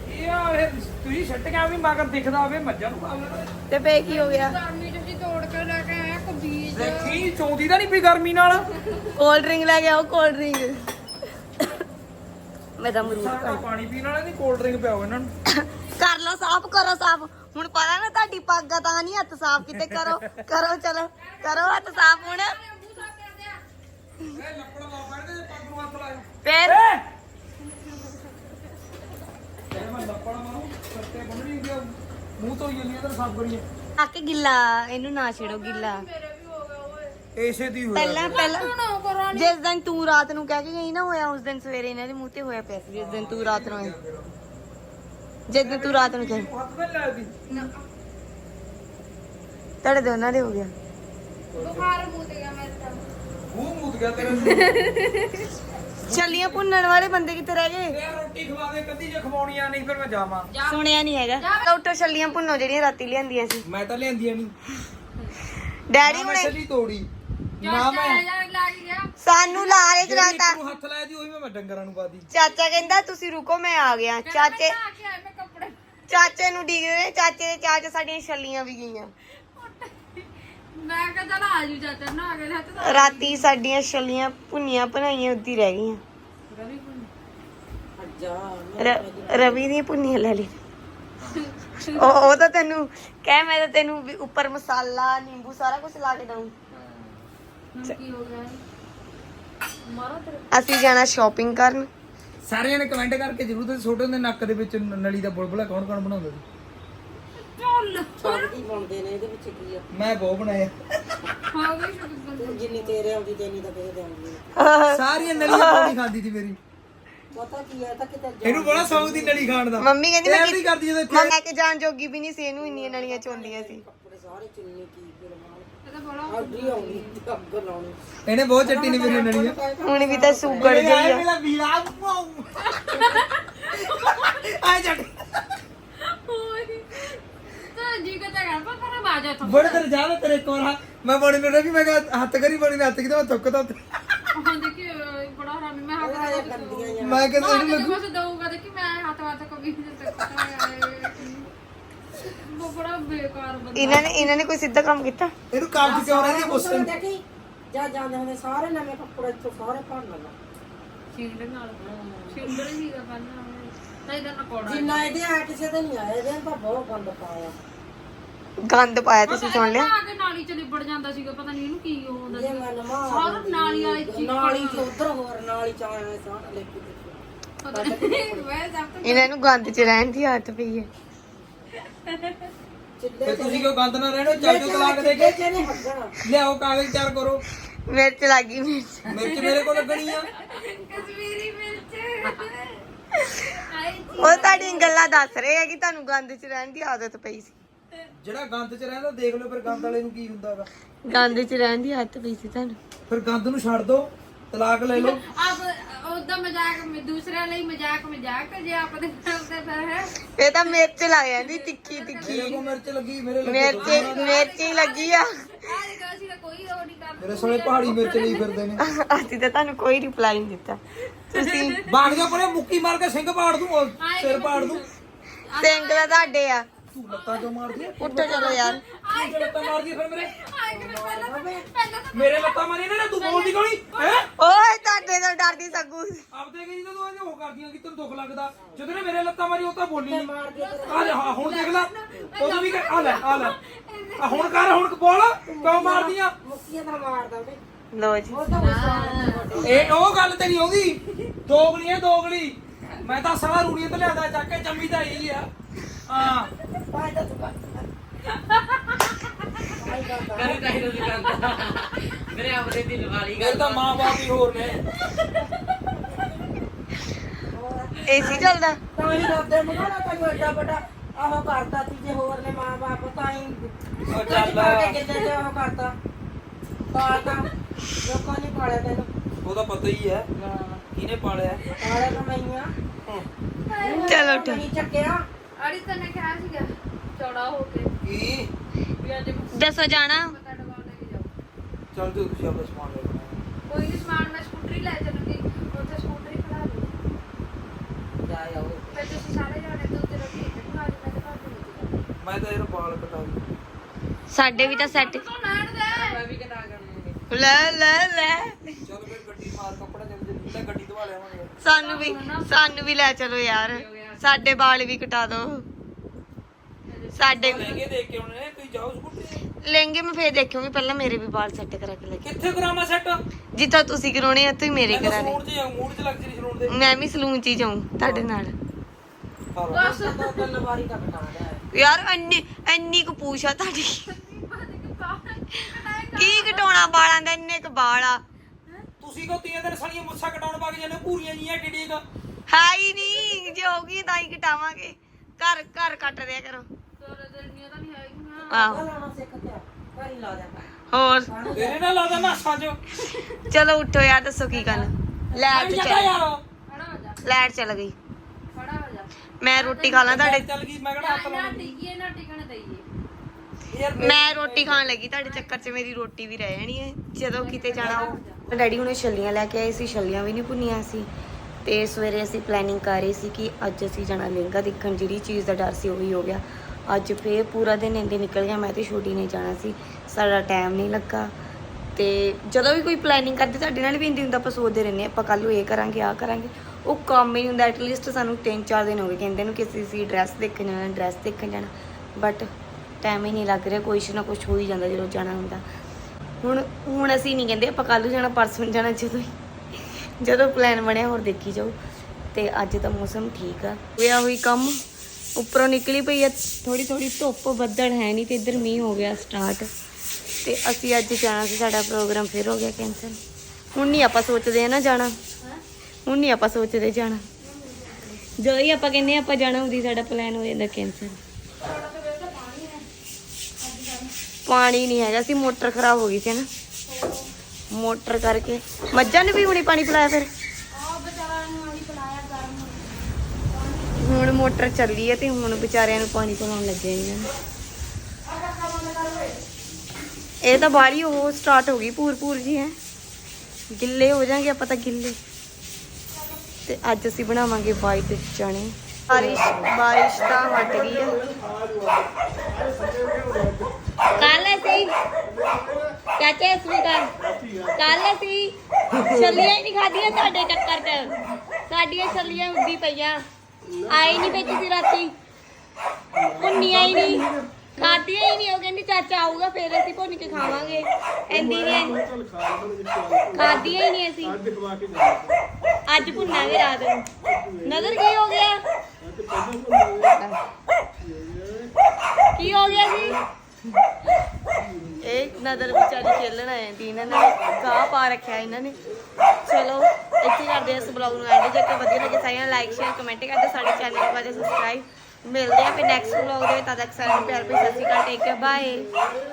[SPEAKER 4] ਇਹ ਤੁਸੀਂ ਛੱਟ ਗਿਆ ਵੀ ਮਗਰ ਦਿਖਦਾ ਹੋਵੇ ਮੱਝਾਂ ਨੂੰ ਪਾਵਣਾ
[SPEAKER 2] ਤੇ ਫੇ ਕੀ ਹੋ ਗਿਆ?
[SPEAKER 6] ਗਰਮੀ ਚ ਅਸੀਂ ਤੋੜ ਕੇ ਲੈ ਕੇ ਆਏ ਕਬੀਜ
[SPEAKER 4] ਦੇਖੀ ਚੌਂਦੀ ਤਾਂ ਨਹੀਂ ਪਈ ਗਰਮੀ ਨਾਲ
[SPEAKER 2] ਕੋਲਡ ਡਰਿੰਕ ਲੈ ਕੇ ਆਓ ਕੋਲਡ ਡਰਿੰਕ। ਮੈਂ ਤਾਂ ਅਮਰੂਦ
[SPEAKER 4] ਸਾਰਾ ਪਾਣੀ ਪੀਣ ਵਾਲਾ ਨਹੀਂ ਕੋਲਡ ਡਰਿੰਕ ਪਿਆਓ ਇਹਨਾਂ ਨੂੰ
[SPEAKER 2] ਕਰ ਲਓ ਸਾਫ ਕਰੋ ਸਾਫ। ਹੁਣ ਪਤਾ ਨਾ ਤੁਹਾਡੀ ਪੱਗ ਆ ਤਾਂ ਨਹੀਂ ਹੱਥ ਸਾਫ ਕਿਤੇ ਕਰੋ ਕਰੋ ਚਲੋ ਕਰੋ ਹੱਥ ਸਾਫ ਹੁਣ।
[SPEAKER 4] ਇਹ ਲੱਕੜ ਲਾ ਪੈਣਗੇ ਜੇ ਪੱਗ ਨੂੰ ਹੱਥ ਲਾਇਆ
[SPEAKER 2] ਫੇਰ
[SPEAKER 4] ਇਹ ਮੈਂ ਲੱਕੜ ਮਾਰੂ ਸੱਤੇ ਬੰਨਣੀ ਗਿਆ ਮੂੰਹ ਤੋਂ ਜੰਨੀ ਤਾਂ ਸਭ ਕਰੀਏ
[SPEAKER 2] ਆ ਕੇ ਗਿੱਲਾ ਇਹਨੂੰ ਨਾ ਛੇੜੋ ਗਿੱਲਾ।
[SPEAKER 4] ਏਸੇ ਦੀ ਹੋਇਆ
[SPEAKER 2] ਪਹਿਲਾਂ ਜਿਸ ਦਿਨ ਤੂੰ ਰਾਤ ਨੂੰ ਕਹਿ ਕੇ ਗਈ ਨਾ ਹੋਇਆ ਉਸ ਦਿਨ ਸਵੇਰੇ ਇਹਨਾਂ ਦੇ ਮੂੰਹ ਤੇ ਹੋਇਆ ਪਿਆ ਸੀ। ਜਿਸ ਦਿਨ ਤੂੰ ਰਾਤ ਨੂੰ ਜਿਸ ਦਿਨ ਤੂੰ ਰਾਤ ਨੂੰ ਕਹੀ
[SPEAKER 4] ਹੱਥ ਤੇ ਲੈ ਦੀ
[SPEAKER 2] ਤੁਹਾਡੇ ਦੋਨਾਂ ਦੇ ਹੋ ਗਿਆ।
[SPEAKER 6] ਬੁਖਾਰ ਮੂਤ ਗਿਆ ਮੇਰੇ ਤਾਂ
[SPEAKER 4] ਮੂੰਹ ਮੂਤ ਗਿਆ ਤੇਰੇ
[SPEAKER 2] ਛੱਲੀਆਂ ਭੁੰਨਣ ਵਾਲੇ ਬੰਦੇ ਕਿੱਥੇ ਰਹਿ ਗਏ?
[SPEAKER 4] ਤੇ ਰੋਟੀ ਖਵਾ ਦੇ ਕਦੀ ਜੇ ਖਵਾਉਣੀ ਆ ਨਹੀਂ ਫਿਰ ਮੈਂ ਜਾਵਾਂ
[SPEAKER 2] ਸੁਣਿਆ ਨਹੀਂ ਹੈਗਾ। ਉੱਠੋ ਛੱਲੀਆਂ ਭੁੰਨੋ ਜਿਹੜੀਆਂ ਰਾਤੀ ਲਿਆਂਦੀਆਂ ਸੀ।
[SPEAKER 4] ਮੈਂ ਤਾਂ ਲਿਆਂਦੀਆਂ ਨਹੀਂ
[SPEAKER 2] ਡੈਡੀ
[SPEAKER 4] ਮੈਂ
[SPEAKER 2] ਹੁਣੇ
[SPEAKER 4] ਛੱਲੀ ਤੋੜੀ ਨਾ ਮੈਂ
[SPEAKER 6] ਲੱਗ ਗਿਆ
[SPEAKER 2] ਸਾਨੂੰ ਲਾਰੇ ਚਲਾਤਾ।
[SPEAKER 4] ਤੂੰ ਹੱਥ ਲਾਇਆ ਦੀ ਉਹੀ ਮੈਂ ਡੰਗਰਾਂ ਨੂੰ ਪਾਦੀ
[SPEAKER 2] ਚਾਚਾ ਕਹਿੰਦਾ ਤੁਸੀਂ ਰੁਕੋ ਮੈਂ ਆ ਗਿਆ। ਚਾਚੇ
[SPEAKER 6] ਆ ਕੇ ਆਏ ਮੈਂ ਕੱਪੜੇ
[SPEAKER 2] ਚਾਚੇ ਨੂੰ ਡੀਕ ਰਹੇ। ਚਾਚੇ ਦੇ ਚਾਚੇ ਸਾਡੀਆਂ ਛੱਲੀਆਂ ਵੀ ਗਈਆਂ।
[SPEAKER 6] ਮੈਂ ਕਿਹਾ ਚਲ ਆ ਜੂ ਚਾਚਾ ਨਾ ਆ ਗਏ ਹੱਥ ਤਾਂ
[SPEAKER 2] ਰਾਤੀ ਸਾਡੀਆਂ ਛੱਲੀਆਂ ਭੁੰਨੀਆਂ ਬਣਾਈਆਂ ਉੱਦੀ ਰਹਿ ਗਈਆਂ। ਰਵੀ ਦੀਆਂ ਭੁੰਨੀਆਂ ਲੈ ਲਈ। ਉਹ ਤਾਂ ਤੈਨੂੰ ਕਹਿ ਮੈਂ ਤਾਂ ਤੈਨੂੰ ਵੀ ਉੱਪਰ ਮਸਾਲਾ ਨਿੰਬੂ ਸਾਰਾ ਕੁਝ ਲਾ ਕੇ ਦਊਂ।
[SPEAKER 6] ਕੀ ਹੋ ਗਿਆ ਮਾਰੋ ਤੇਰੇ
[SPEAKER 2] ਅਸੀਂ ਜਾਣਾ ਸ਼ਾਪਿੰਗ ਕਰਨ।
[SPEAKER 4] ਸਾਰਿਆਂ ਨੇ ਕਮੈਂਟ ਕਰਕੇ ਜ਼ਰੂਰ ਦੱਸੋ ਛੋਟੇ ਹੁੰਦੇ ਨੱਕ ਦੇ ਵਿੱਚ ਨਲੀ ਦਾ ਬੁਲਬੁਲਾ ਕੌਣ ਕੌਣ ਬਣਾਉਂਦਾ ਸੀ
[SPEAKER 6] ਚੱਲ
[SPEAKER 5] ਛੱਡਦੀ ਪਾਉਂਦੇ ਨੇ ਇਹਦੇ ਵਿੱਚ ਕੀ ਆ
[SPEAKER 4] ਮੈਂ ਬਹੁਤ ਬਣਾਇਆ
[SPEAKER 6] ਹੋ ਗਈ ਸ਼ੁਕਰ
[SPEAKER 5] ਜਿੰਨੀ ਤੇਰੇ ਆਉਂਦੀ ਤੇਨੀ ਤਾਂ ਕਿਸੇ ਦੇ ਆਉਂਦੀ ਨਹੀਂ।
[SPEAKER 4] ਸਾਰੀਆਂ ਨਲੀਆਂ ਪੌੜੀ ਖਾਂਦੀ ਸੀ ਮੇਰੀ
[SPEAKER 5] ਪਤਾ ਕੀ ਆ ਤਾਂ ਕਿਤੇ
[SPEAKER 4] ਇਹਨੂੰ ਬੜਾ ਸ਼ੌਕ ਦੀ ਨਲੀ ਖਾਣ ਦਾ
[SPEAKER 2] ਮੰਮੀ ਕਹਿੰਦੀ
[SPEAKER 4] ਇਹ ਵੀ ਕਰਦੀ ਜਦੋਂ
[SPEAKER 2] ਮੈਂ ਲੈ ਕੇ ਜਾਣ ਜੋਗੀ ਵੀ ਨਹੀਂ ਸੀ ਇਹਨੂੰ ਇੰਨੀਆਂ ਨਲੀਆਂ ਚੋਂਦੀਆਂ ਸੀ।
[SPEAKER 5] ਕੱਪੜੇ ਸਾਰੇ ਚੁੰਨੀ ਕੀ ਫਿਰਮਾਨ
[SPEAKER 6] ਇਹ ਤਾਂ ਬੜਾ
[SPEAKER 5] ਆਡੀ ਆਉਂਦੀ ਤੇ ਅੱਗ ਲਾਉਣੀ
[SPEAKER 4] ਇਹਨੇ ਬਹੁਤ ਚੱਟੀ ਨਹੀਂ ਮੇਰੀ ਨਲੀਆਂ
[SPEAKER 2] ਹੁਣ ਵੀ ਤਾਂ ਸ਼ੂਗਰ ਜਿਹੀ ਆ।
[SPEAKER 4] ਮੇਰਾ ਵੀਰਾ ਆ ਜੱਟ
[SPEAKER 6] ਹੋਈ ਤਾਂ ਜੀ ਕਹਤਾ ਕਰ ਪਰ ਕਰ ਬਾਜਾ ਤੋਂ
[SPEAKER 4] ਬੜੇ ਤੇਰੇ ਜਾ ਤੇਰੇ ਇੱਕ ਵਾਰ ਮੈਂ ਬੜੀ ਨੂੰ ਵੀ ਮੈਂ ਕਿਹਾ ਹੱਥ ਕਰੀ ਬੜੀ ਨੇ ਹੱਥ ਕੀਤਾ ਮੈਂ ਥੁੱਕਦਾ ਉੱਤੇ
[SPEAKER 6] ਹਾਂ ਦੇਖੀ ਬੜਾ ਹਰਾਮੀ ਮੈਂ ਹੱਥ
[SPEAKER 5] ਗੰਦੀਆਂ
[SPEAKER 4] ਮੈਂ ਕਹਿੰਦਾ ਇਹਨੂੰ
[SPEAKER 6] ਇਹਨੂੰ ਬਸ ਦਊਗਾ ਦੇਖੀ ਮੈਂ ਹੱਥ ਕਬੀ ਨਹੀਂ ਤੱਕ ਉਹ ਬੜਾ ਬੇਕਾਰ ਬੰਦਾ
[SPEAKER 2] ਇਹਨਾਂ ਨੇ ਕੋਈ ਸਿੱਧਾ ਕੰਮ ਕੀਤਾ?
[SPEAKER 4] ਇਹਨੂੰ ਕਾਬੂ ਕਿਉਂ ਰਹਿੰਦੀ ਪੁੱਛਣ
[SPEAKER 5] ਦੇਖੀ ਜਾ ਜਾਂਦੇ ਹੁੰਦੇ ਸਾਰੇ ਨਵੇਂ ਕੱਪੜੇ ਇੱਥੋਂ ਸਾਰੇ ਭਰਨ ਲੱਗਾ
[SPEAKER 6] ਛਿੰਡ ਨਾਲ ਛਿੰਡ ਹੀ ਦਾ ਬੰਨਾ ਨਹੀਂ ਤਾਂ ਕੋੜਾ
[SPEAKER 5] ਜਿੰਨਾ ਇਹਦੇ ਆ ਕਿਸੇ ਦੇ ਨਹੀਂ ਆਇਆ ਇਹਦੇ ਤਾਂ ਬਹੁਤ ਗੰਦ ਪਾਇਆ
[SPEAKER 2] ਗੰਦ ਪਾਇਆ ਤੁਸੀਂ ਸੁਣ ਲਿਆ।
[SPEAKER 6] ਆ ਕੇ ਨਾਲੀ ਚ ਲਿਬੜ ਜਾਂਦਾ ਸੀਗਾ ਪਤਾ ਨਹੀਂ ਇਹਨੂੰ ਕੀ ਹੁੰਦਾ
[SPEAKER 5] ਇਹ ਮੈਂ ਨਮਾ
[SPEAKER 6] ਸਾਰਾ ਨਾਲੀ ਵਾਲੀ ਚੀਜ਼
[SPEAKER 5] ਨਾਲੀ ਚ ਉਧਰ ਹੋਰ ਨਾਲੀ ਚ ਆਇਆ ਸਾਰਾ ਲੈ ਕੇ ਦੇਖੋ
[SPEAKER 6] ਪਤਾ ਨਹੀਂ ਮੈਂ ਸਭ
[SPEAKER 2] ਇਹਨਾਂ ਨੂੰ ਗੰਦ 'ਚ ਰਹਿਣ ਦੀ ਆਦਤ ਪਈ ਹੈ।
[SPEAKER 5] ਚਿੱਲੇ
[SPEAKER 1] ਤੁਸੀਂ ਕਿਉਂ ਗੰਦ ਨਾ ਰਹਿਣੋ ਚਾਚੂ ਤਲਾਕ ਦੇ ਕੇ
[SPEAKER 5] ਚ ਨਹੀਂ ਹੱਗਣਾ
[SPEAKER 1] ਲਿਆਓ ਕਾਗਜ਼ ਤਿਆਰ ਕਰੋ
[SPEAKER 2] ਮਿਰਚ ਲੱਗੀ ਮਿਰਚ।
[SPEAKER 1] ਮਿਰਚ ਮੇਰੇ ਕੋਲ ਲੱਗਣੀ ਆ
[SPEAKER 6] ਕਸ਼ਮੀਰੀ ਮਿਰਚ
[SPEAKER 2] ਉਹ ਤੁਹਾਡੀਆਂ ਗੱਲਾਂ ਦੱਸ ਰਹੇ ਆ ਕਿ ਤੁਹਾਨੂੰ ਗੰਦ 'ਚ ਰਹਿਣ ਦੀ ਆਦਤ ਪਈ ਸੀ।
[SPEAKER 1] ਜਿਹੜਾ ਗੰਦ 'ਚ ਰਹਿੰਦਾ ਦੇਖ ਲਓ ਫਿਰ ਗੰਦ ਵਾਲੇ ਨੂੰ ਕੀ ਹੁੰਦਾ ਵਾ
[SPEAKER 2] ਗੰਦ 'ਚ ਰਹਿਣ ਦੀ ਆਦਤ ਪਈ ਸੀ ਤੁਹਾਨੂੰ।
[SPEAKER 1] ਫਿਰ ਗੰਦ ਨੂੰ ਛੱਡ ਦੋ ਤਲਾਕ ਲੈ ਲਓ
[SPEAKER 6] ਆਪ ਉਹਦਾ ਮਜ਼ਾਕ ਦੂਸਰਿਆਂ ਲਈ ਮਜ਼ਾਕ ਜੇ ਆਪਦੇ ਨਾਲ ਤੇ ਫਿਰ ਹੈ
[SPEAKER 2] ਇਹ ਤਾਂ ਮਿਰਚ ਲੱਗ ਜਾਂਦੀ ਤਿੱਖੀ ਤਿੱਖੀ।
[SPEAKER 1] ਮੇਰੇ ਕੋਲ ਮਿਰਚ ਲੱਗੀ ਮੇਰੇ ਲੱਗੇ
[SPEAKER 2] ਮਿਰਚ ਹੀ ਲੱਗੀ ਆ।
[SPEAKER 6] ਆਹ ਦੇਖੋ ਅਸੀਂ ਤਾਂ ਕੋਈ ਉਹ ਨਹੀਂ ਕਰਦੇ
[SPEAKER 1] ਮੇਰੇ ਸਾਲੇ ਪਹਾੜੀ ਮਿਰਚ ਲਈ ਫਿਰਦੇ ਨੇ
[SPEAKER 2] ਅਸੀਂ ਤਾਂ ਤੁਹਾਨੂੰ ਕੋਈ ਰਿਪਲਾਈ ਨਹੀਂ ਦਿੱਤਾ। ਤੁਸੀਂ
[SPEAKER 1] ਬਾਗ ਜਾ ਪਰੇ ਮੁੱਕੀ ਮਾਰ ਕੇ ਸਿੰਘ ਪਾੜ ਦੂੰ ਉਹ ਸਿਰ ਪਾੜ ਦੂੰ
[SPEAKER 2] ਸਿੰਘ ਦਾ ਤੁਹਾਡੇ ਆ।
[SPEAKER 1] ਤੂੰ ਲੱਤਾਂ ਕਿਉਂ ਮਾਰਦੀ ਆ?
[SPEAKER 2] ਉੱਠੋ ਚਲੋ ਯਾਰ।
[SPEAKER 1] ਤੂੰ ਕਿਉਂ ਲੱਤਾਂ ਮਾਰਦੀ ਆ ਫਿਰ ਮੇਰੇ
[SPEAKER 6] ਆਏ ਕਿ ਪਹਿਲਾਂ ਤਾਂ
[SPEAKER 1] ਮੇਰੇ ਲੱਤਾਂ ਮਾਰੀ ਨਾ ਤੂੰ ਬੋਲਦੀ ਕਿਉਂ ਨਹੀਂ ਹੈ
[SPEAKER 2] ਓਏ ਤੁਹਾਡੇ ਤੋਂ ਡਰਦੀ ਸੱਗੂ।
[SPEAKER 1] ਆਪਦੇ ਕਹੀ ਜਦੋਂ ਇਹ ਉਹ ਕਰਦੀਆਂ ਕਿ ਤੈਨੂੰ ਦੁੱਖ ਲੱਗਦਾ ਜਦੋਂ ਨੇ ਮੇਰੇ ਲੱਤਾਂ ਮਾਰੀ ਉਹ ਤਾਂ ਬੋਲੀ ਨਹੀਂ ਆ ਲੈ ਹਾਂ ਹੁਣ ਦੇਖ ਲੈ ਉਦੋਂ ਵੀ ਆ ਲੈ ਆ ਹੁਣ ਕਰ ਹੁਣ ਬੋਲ ਕਿਉਂ ਮਾਰਦੀਆਂ
[SPEAKER 5] ਮੁੱਕੀਆਂ ਦਾ ਮਾਰਦਾ ਉਹਨੇ
[SPEAKER 2] ਲੋ ਜੀ
[SPEAKER 5] ਉਹ ਤਾਂ ਗੁੱਸਾ
[SPEAKER 1] ਇਹ ਉਹ ਗੱਲ ਤੇ ਨਹੀਂ ਆਉਂਦੀ ਦੋਗਲੀ ਹੈ ਦੋਗਲੀ ਮੈਂ ਤਾਂ ਸਾਰਾ ਰੂੜੀਆਂ ਤੇ ਲਿਆਦਾ ਚੱਕ ਕੇ ਚੰਮੀ ਤਾਂ ਹੀ ਆ ਹਾਂ
[SPEAKER 5] ਫਾਇਦਾ ਤੂੰ
[SPEAKER 1] ਮੇਰੇ ਤਾਂ ਮਾਂ-ਬਾਪ ਹੀ ਹੋਰ ਨੇ
[SPEAKER 2] ਏਸੀ ਚੱਲਦਾ।
[SPEAKER 5] ਤਾਂ ਹੀ ਰੱਦੇ ਮਗਾਣਾ ਕੋਈ ਏਡਾ ਵੱਡਾ ਆਹੋ ਕਰਤਾ ਸੀ ਜੇ ਹੋਰ ਨੇ ਮਾਂ ਬਾਪ ਤਾਂ ਹੀ
[SPEAKER 1] ਉਹ ਚੱਲ
[SPEAKER 5] ਕਿੱਦਾਂ ਤੇ ਉਹ ਕਰਤਾ ਪਾਲਤਾ ਲੋਕਾਂ ਨੇ ਪਾਲਿਆ ਤੈਨੂੰ
[SPEAKER 1] ਉਹਦਾ ਪਤਾ ਹੀ ਹੈ ਕਿਹਨੇ ਪਾਲਿਆ
[SPEAKER 5] ਪਾਲਿਆ ਤਾਂ ਮਈਆਂ
[SPEAKER 2] ਚਲੋ ਉੱਠੋ।
[SPEAKER 5] ਨਹੀਂ ਚੱਕਿਆ
[SPEAKER 6] ਅੜੀ ਤਾਂ ਨੇ ਕਿਹਾ ਸੀਗਾ ਚੌੜਾ ਹੋ ਕੇ
[SPEAKER 1] ਕੀ
[SPEAKER 6] ਵੀ ਅੱਜ
[SPEAKER 2] ਦੱਸੋ ਜਾਣਾ।
[SPEAKER 6] ਪਤਾ ਡਬਾ ਲੈ ਕੇ ਜਾਓ
[SPEAKER 1] ਚੱਲ ਤੂੰ ਤੁਸੀਂ ਆਪਣਾ ਸਮਾਨ ਲੈ ਲੈਣਾ
[SPEAKER 6] ਕੋਈ ਨਹੀਂ ਸਮਾਨ ਮੈਂ ਸਕੂਟਰੀ ਲੈ ਚੱਲੂਗੀ ਉੱਥੇ ਸਕੂਟਰੀ ਖੜਾ ਲਓ
[SPEAKER 5] ਜਾ ਆਓ
[SPEAKER 6] ਫਿਰ ਤੁਸੀਂ ਸਾਰੇ ਜਾਣੇ ਦੁੱਧ ਦੀ ਰੋਟੀ ਇੱਕ ਖਾ ਲਈ ਮੈਂ ਤਾਂ ਘਰ ਨੂੰ
[SPEAKER 1] ਮੈਂ ਤਾਂ ਇਹਨੂੰ ਬਾਲ ਕਟਾ ਦੂੰ।
[SPEAKER 2] ਸਾਡੇ ਵੀ ਤਾਂ ਸੈੱਟ
[SPEAKER 6] ਤੋਂ ਲੈਣ ਦੇ
[SPEAKER 1] ਮੈਂ ਵੀ ਕਟਾ ਕਰਨੀ
[SPEAKER 2] ਲੈ
[SPEAKER 1] ਚਲ ਫਿਰ ਗੱਡੀ ਮਾਰ ਕੱਪੜਾ ਜਲਦੀ ਤਾਂ ਗੱਡੀ ਧਵਾ ਲਿਆਵਾਂਗੇ।
[SPEAKER 2] ਸਾਨੂੰ ਵੀ ਲੈ ਚਲੋ ਯਾਰ ਸਾਡੇ ਵਾਲ ਵੀ ਕਟਾ ਦਿਓ ਸਾਡੇ
[SPEAKER 1] ਲਹਿੰਗੇ ਦੇਖ ਕੇ ਆਉਣੇ ਨੇ, ਤੁਸੀਂ ਜਾਓ ਸਕੂਟਰੀ
[SPEAKER 2] ਲਹਿੰਗੇ ਮੈਂ ਫੇਰ ਦੇਖੂੰਗੀ ਪਹਿਲਾਂ ਮੇਰੇ ਵੀ ਵਾਲ ਸੈੱਟ ਕਰਾ ਕੇ ਲੈ ਕੇ
[SPEAKER 1] ਕਿੱਥੇ ਕਰਾਵਾਂ ਸੈੱਟ?
[SPEAKER 2] ਜਿੱਥੋਂ ਤੁਸੀਂ ਕਰਾਉਣੇ ਆ ਉੱਥੇ ਹੀ ਮੇਰੇ
[SPEAKER 1] ਮੈਂ
[SPEAKER 2] ਕਰਾਣੇ
[SPEAKER 1] ਸਲੂਨ 'ਚ ਜਾਊਂ, ਮੂਡ 'ਚ ਲਗਜ਼ਰੀ ਸਲੂਨ ਦੇ।
[SPEAKER 2] ਮੈਂ ਵੀ ਸਲੂਨ ਚ ਹੀ ਜਾਊਂ ਤੁਹਾਡੇ ਨਾਲ
[SPEAKER 6] ਬਸ
[SPEAKER 5] ਤਿੰਨ ਵਾਰੀ ਦਾ ਕਟਾਉਂਦਾ ਹੈ।
[SPEAKER 2] ਯਾਰ ਇੰਨੀ ਕੁ ਪੂਛ ਆ ਤੁਹਾਡੀ ਕੀ ਕਟਾਉਣਾ ਵਾਲਾਂ ਦਾ ਇੰਨੇ ਕੁ ਵਾਲ ਆ
[SPEAKER 1] ਤੁਸੀਂ ਕੋ 3 ਦਿਨ ਸਾਲੀਆਂ ਮੁੱਛਾਂ ਕਟਾਉਣ ਪਾ ਕੇ ਜਾਂਦੇ ਪੂਰੀਆਂ ਜੀਆਂ ਡਿਡੀਆਂ ਦਾ।
[SPEAKER 2] ਹੈ ਹੀ ਨਹੀਂ ਜੇ ਹੋਗੀ ਤਾਂ ਹੀ ਕਟਾਵਾਂਗੇ ਘਰ ਕੱਟ ਦਿਆ ਕਰੋ
[SPEAKER 6] ਤੋਰੇ ਦਿਲਨੀਆਂ ਤਾਂ ਨਹੀਂ ਹੈਗੀਆਂ
[SPEAKER 2] ਆਹੋ
[SPEAKER 5] ਲਾਉਣਾ ਸਿੱਖ ਤੇ ਘਰ ਹੀ ਲਾ ਦੇ
[SPEAKER 2] ਹੋਰ
[SPEAKER 1] ਤੇਰੇ ਨਾਲ ਲਾਦਾ ਨਾਸਾਂ 'ਚ
[SPEAKER 2] ਚਲੋ ਉੱਠੋ ਯਾਰ ਦੱਸੋ ਕੀ ਗੱਲ ਲਾਈਟ
[SPEAKER 1] ਜਗਾ
[SPEAKER 2] ਚੱਲ
[SPEAKER 1] ਯਾਰ
[SPEAKER 6] ਖੜਾ ਹੋ ਜਾ
[SPEAKER 2] ਲਾਈਟ ਚੱਲ ਗਈ
[SPEAKER 6] ਖੜਾ ਹੋ ਜਾ
[SPEAKER 2] ਮੈਂ ਰੋਟੀ ਖਾ ਲਾਂ ਤੁਹਾਡੇ
[SPEAKER 1] ਚੱਲ ਗਈ ਮੈਂ ਕਿਹੜਾ ਹੱਥ
[SPEAKER 6] ਨਾ
[SPEAKER 1] ਲਾਉਣਾ
[SPEAKER 6] ਟਿਕੀਏ ਨਾ ਟਿਕਣ ਦਈਏ
[SPEAKER 1] ਯਾਰ
[SPEAKER 2] ਮੈਂ ਰੋਟੀ ਖਾਣ ਲੱਗੀ ਤੁਹਾਡੇ ਚੱਕਰ 'ਚ ਮੇਰੀ ਰੋਟੀ ਵੀ ਰਹਿ ਜਾਣੀ ਹੈ ਜਦੋਂ ਕਿਤੇ ਜਾਣਾ ਹੋ ਡੈਡੀ ਹੁਣੇ ਛੱਲੀਆਂ ਲੈ ਕੇ ਆਏ ਸੀ ਛੱਲੀਆਂ ਵੀ ਨਹੀਂ ਭੁੰਨੀਆਂ ਸੀ ਤੇ ਸਵੇਰੇ ਅਸੀਂ ਪਲੈਨਿੰਗ ਕਰ ਰਹੇ ਸੀ ਕਿ ਅੱਜ ਅਸੀਂ ਜਾਣਾ ਲਹਿੰਗਾ ਦੇਖਣ ਜਿਹੜੀ ਚੀਜ਼ ਦਾ ਡਰ ਸੀ ਉਹੀ ਹੋ ਗਿਆ ਅੱਜ ਫੇਰ ਪੂਰਾ ਦਿਨ ਇੰਦੇ ਨਿਕਲ ਗਿਆ ਮੈਂ ਤੇ ਛੋਟੀ ਨੇ ਜਾਣਾ ਸੀ ਸਾਡਾ ਟਾਈਮ ਨਹੀਂ ਲੱਗਾ ਤੇ ਜਦੋਂ ਵੀ ਕੋਈ ਪਲੈਨਿੰਗ ਕਰਦੇ ਤੁਹਾਡੇ ਨਾਲ ਵੀ ਇੰਦੀ ਹੁੰਦਾ ਆਪਾਂ ਸੋਚਦੇ ਰਹਿੰਦੇ ਆਪਾਂ ਕੱਲ ਨੂੰ ਇਹ ਕਰਾਂਗੇ ਆ ਕਰਾਂਗੇ ਉਹ ਕੰਮ ਹੀ ਨਹੀਂ ਹੁੰਦਾ ਐਟਲੀਸਟ ਸਾਨੂੰ 3-4 ਦਿਨ ਹੋ ਗਏ ਕਹਿੰਦੇ ਨੂੰ ਕਿਸੇ ਸੀ ਡਰੈਸ ਦੇਖਣ ਜਾਣਾ ਬਟ ਟਾਈਮ ਹੀ ਨਹੀਂ ਲੱਗ ਰਿਹਾ ਕੁਛ ਨਾ ਕੁਛ ਹੋ ਹੀ ਜਾਂਦਾ ਜਦੋਂ ਜਾਣਾ ਹੁੰਦਾ ਹੁਣ ਅਸੀਂ ਨਹੀਂ ਕਹਿੰਦੇ ਆਪਾਂ ਕੱਲ ਨੂੰ ਜਾਣਾ ਪਰਸੋਂ ਨੂੰ ਜਾਣਾ ਜਦੋਂ ਪਲਾਨ ਬਣਿਆ ਹੋਰ ਦੇਖੀ ਜਾਓ ਤੇ ਅੱਜ ਤਾਂ ਮੌਸਮ ਠੀਕ ਆ ਹੋਇਆ ਹੋਈ ਕੰਮ ਉੱਪਰੋਂ ਨਿਕਲੀ ਪਈ ਆ ਥੋੜੀ ਧੁੱਪ ਬੱਦਲ ਹੈ ਨਹੀਂ ਤੇ ਇੱਧਰ ਮੀਂਹ ਹੋ ਗਿਆ ਸਟਾਰਟ ਤੇ ਅਸੀਂ ਅੱਜ ਜਾਣਾ ਸੀ ਸਾਡਾ ਪ੍ਰੋਗਰਾਮ ਫਿਰ ਹੋ ਗਿਆ ਕੈਂਸਲ ਹੁਣ ਨਹੀਂ ਆਪਾਂ ਸੋਚਦੇ ਆ ਨਾ ਜਾਣਾ ਹੁਣ ਨਹੀਂ ਆਪਾਂ ਸੋਚਦੇ ਜਾਣਾ ਜਦੋਂ ਹੀ ਆਪਾਂ ਕਹਿੰਦੇ ਆਪਾਂ ਜਾਣਾ ਉਹਦੀ ਸਾਡਾ ਪਲਾਨ ਹੋ ਜਾਂਦਾ ਕੈਂਸਲ ਪਾਣੀ ਨਹੀਂ ਹੈਗਾ ਸੀ ਮੋਟਰ ਖਰਾਬ ਹੋ ਗਈ ਸੀ ਨਾ ਮੋਟਰ ਕਰਕੇ ਮੱਝਾਂ ਨੇ ਵੀ ਹੁਣੀ ਪਾਣੀ ਪਿਲਾਇਆ ਫਿਰ ਹੁਣ ਮੋਟਰ ਚੱਲੀ ਹੈ ਤੇ ਹੁਣ ਵਿਚਾਰਿਆਂ ਨੂੰ ਪਾਣੀ ਪਿਲਾਉਣ ਲੱਗੇ ਇਹਨਾਂ ਨੇ ਇਹ ਤਾਂ ਬਾੜੀ ਉਹ ਸਟਾਰਟ ਹੋ ਗਈ ਪੂਰ ਜੀ ਹੈ ਗਿੱਲੇ ਹੋ ਜਾਣਗੇ ਆਪਾਂ ਤਾਂ ਗਿੱਲੇ ਤੇ ਅੱਜ ਅਸੀਂ ਬਣਾਵਾਂਗੇ ਵਾਈਟ ਚਣੇ ਬਾਰਿਸ਼ ਤਾਂ ਹਟ ਗਈ ਹੈ ਕੱਲ ਅਸੀਂ ਚਾਚੇ ਕੱਲ ਅਸੀਂ ਛੱਲੀਆਂ ਹੀ ਨਹੀਂ ਖਾਧੀਆਂ ਤੁਹਾਡੇ ਚੱਕਰ 'ਚ ਸਾਡੀਆਂ ਛੱਲੀਆਂ ਉੱਡੀ ਪਈਆਂ ਆਈ ਨਹੀਂ ਵਿੱਚ ਸੀ ਰਾਤੀ ਭੁੰਨੀਆਂ ਹੀ ਨਹੀਂ ਖਾਧੀਆਂ ਹੀ ਨਹੀਂ ਉਹ ਕਹਿੰਦੀ ਚਾਚਾ ਆਊਗਾ ਫਿਰ ਅਸੀਂ ਭੁੰਨ ਕੇ ਖਾਵਾਂਗੇ ਇੰਦੀ ਨੇ ਖਾਧੀਆਂ ਹੀ ਨਹੀਂ ਅਸੀਂ ਅੱਜ ਭੁੰਨਾਂਗੇ ਰਾਤ ਨੂੰ ਨਜ਼ਰ ਕੀ ਹੋ ਗਿਆ ਕੀ ਹੋ ਗਿਆ ਸੀ ਇਹ ਨਜ਼ਰ ਵਿਚਾਰੀ ਖੇਲਣ ਆ ਜਾਂਦੀ ਇਹਨਾਂ ਨੇ ਗਾਹ ਪਾ ਰੱਖਿਆ ਇਹਨਾਂ ਨੇ ਚਲੋ ਇੱਥੇ ਕਰਦੇ ਆ ਇਸ ਬਲੌਗ ਨੂੰ ਐਂਡ ਜੇ ਵਧੀਆ ਲੱਗੇ ਸਾਰਿਆਂ ਲਾਈਕ ਸ਼ੇਅਰ ਕਮੈਂਟ ਕਰਦੇ ਸਾਡੇ ਚੈਨਲ ਨੂੰ ਬਾਰੇ ਸਬਸਕ੍ਰਾਈਬ ਮਿਲਦੇ ਆ ਫਿਰ ਨੈਕਸਟ ਬਲੌਗ ਦੇ ਤਦ ਤੱਕ ਸਾਰਿਆਂ ਨੂੰ ਪਿਆਰ ਭਰੀ ਸਤਿ ਸ਼੍ਰੀ ਅਕਾਲ ਟੇਕ ਕੇਅਰ ਬਾਏ